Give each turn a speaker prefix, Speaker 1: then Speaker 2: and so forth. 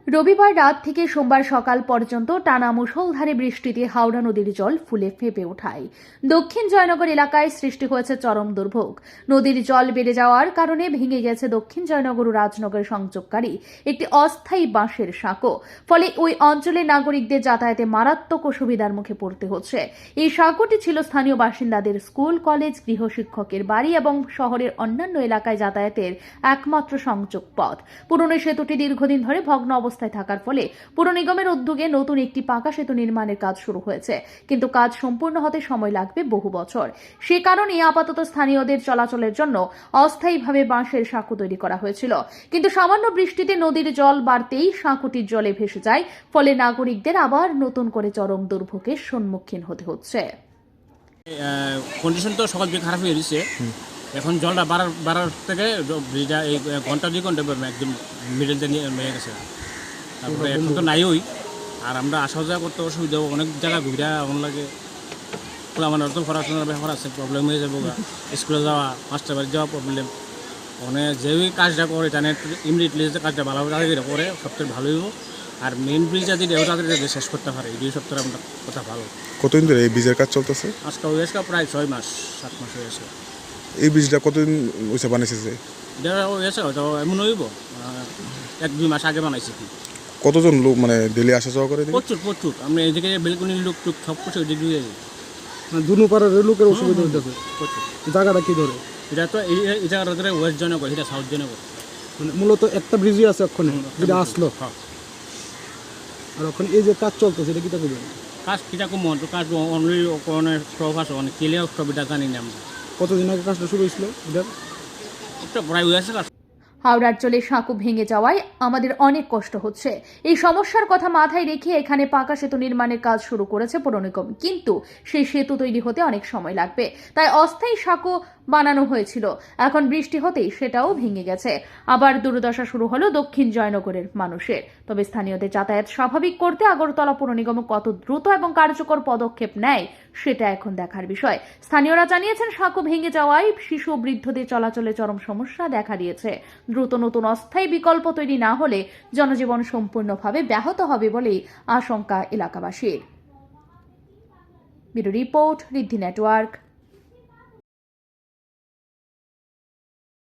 Speaker 1: রবিবার রাত থেকে সোমবার সকাল পর্যন্ত টানা মুষলধারে বৃষ্টিতে হাওড়া নদীর জল ফুলে ফেঁপে ওঠায়। দক্ষিণ জয়নগর এলাকায় সৃষ্টি হয়েছে চরম দুর্ভোগ। নদীর জল বেড়ে যাওয়ার কারণে ভেঙে গেছে দক্ষিণ জয়নগর ও রাজনগর সংযোগকারী একটি অস্থায়ী বাঁশের সাঁকো। ফলে ওই অঞ্চলের নাগরিকদের যাতায়াতে মারাত্মক অসুবিধার মুখে পড়তে হচ্ছে। এই সাঁকোটি ছিল স্থানীয় বাসিন্দাদের স্কুল, কলেজ, গৃহশিক্ষকের বাড়ি এবং শহরের অন্যান্য এলাকায় যাতায়াতের একমাত্র সংযোগ পথ। পুরনো সেতুটি দীর্ঘদিন ধরে ভগ্ন অবস্থায় থাকার ফলে পুর নিগমের উদ্যোগে নতুন একটি পাকা সেতু নির্মাণের কাজ শুরু হয়েছে, কিন্তু কাজ সম্পূর্ণ হতে সময় লাগবে বহু বছর। সে কারণে আপাতত স্থানীয়দের চলাচলের জন্য অস্থায়ীভাবে বাঁশের সাঁকো তৈরি করা হয়েছিল, কিন্তু সামান্য বৃষ্টিতে নদীর জল বাড়তেই সাঁকোটির জলে ভেসে যায়। ফলে নাগরিকদের আবার নতুন করে চরম দুর্ভোগের সম্মুখীন হতে হচ্ছে।
Speaker 2: কন্ডিশন তো সকাল থেকে খারাপ হয়ে গেছে। এখন জলটা বাড়ার থেকে ব্রিজটা এই ঘন্টা 2 ঘন্টা একদম মিডল দিয়ে নিয়ে গেছে। তারপরে এখন তো নাই ওই, আর আমরা আসা যাওয়া করতে অসুবিধা, অনেক জায়গা ঘুরা এমন লাগে। আমার তো পড়াশোনার ব্যাপার আছে, প্রবলেম হয়ে যাবো। স্কুলে যাওয়া, মাস্টার বাড়ি যাওয়া প্রবলেম। মানে যে ওই কাজটা করে জানে ইমিডিয়েটলি যে কাজটা ভালোভাবে করে সবথেকে ভালো হইব। আর মেইন ব্রিজটা যদি তাদের শেষ করতে পারে, এই 2 সপ্তাহে আমরা কথা ভালো।
Speaker 3: কতদিন ধরে এই ব্রিজের কাজ চলতেছে?
Speaker 2: আজকে হয়েছে প্রায় 6 মাস 7 মাস হয়েছে।
Speaker 3: এই ব্রিজটা কতদিন হয়েছে বানিয়েছে?
Speaker 2: এটা হয়েছে হয়তো এমন হইব 1-2 মাস আগে বানাইছি। কি
Speaker 3: কতজন লোক মানে ডেলি আসা যাওয়া করে?
Speaker 2: প্রচুর আমরা এদিকে বেলকুনির লোক টুক সব কিছু ওইদিকে দিয়ে যাই।
Speaker 4: দুনো পাড়ার লোকের অসুবিধা হইতেছে। জায়গাটা কি ধরে?
Speaker 2: এটা তো এই জায়গাটা ধরে ওয়েস্ট জয়নগর, এটা সাউথ জয়নগর।
Speaker 4: মানে মূলত একটা ব্রিজই আছে ওখানে যেটা আসলো।
Speaker 2: হ্যাঁ।
Speaker 4: আর ওখানে এই যে কাজ চলতেছে এটা কিটা করবেন?
Speaker 2: কাজ কিটা কম কাজ অনলি ওখানে স্টপ আছে, অনেক কেলে স্টপ এটা জানি না আমরা।
Speaker 4: কতদিন আগে কাজটা শুরু হয়েছিল এটার?
Speaker 2: একটা প্রায় হয়েছে কাজ।
Speaker 1: হাওড়ার জলে সাঁকো ভেঙে যাওয়ায় আমাদের অনেক কষ্ট হচ্ছে। এই সমস্যার কথা মাথায় রেখে এখানে পাকা সেতু নির্মাণের কাজ শুরু করেছে পৌর নিগম, কিন্তু সেই সেতু তৈরি হতে অনেক সময় লাগবে। তাই অস্থায়ী সাঁকো বানানো হয়েছিল, এখন বৃষ্টি হতেই সেটাও ভেঙে গেছে। আবার দুর্দশা শুরু হলো দক্ষিণ জয়নগরের মানুষের। তবে স্থানীয়দের যাতায়াত স্বাভাবিক করতে আগরতলা পৌর নিগম কত দ্রুত এবং কার্যকর পদক্ষেপ নেয় সেটা এখন দেখার বিষয়। স্থানীয়রা জানিয়েছেন, সাঁকো ভেঙে যাওয়ায় শিশু ও বৃদ্ধদের চলাচলে চরম সমস্যা দেখা দিয়েছে। দ্রুত নতুন অস্থায়ী বিকল্প তৈরি না হলে জনজীবন সম্পূর্ণভাবে ব্যাহত হবে বলেই আশঙ্কা এলাকাবাসীর। Bureau report, Riddhi network.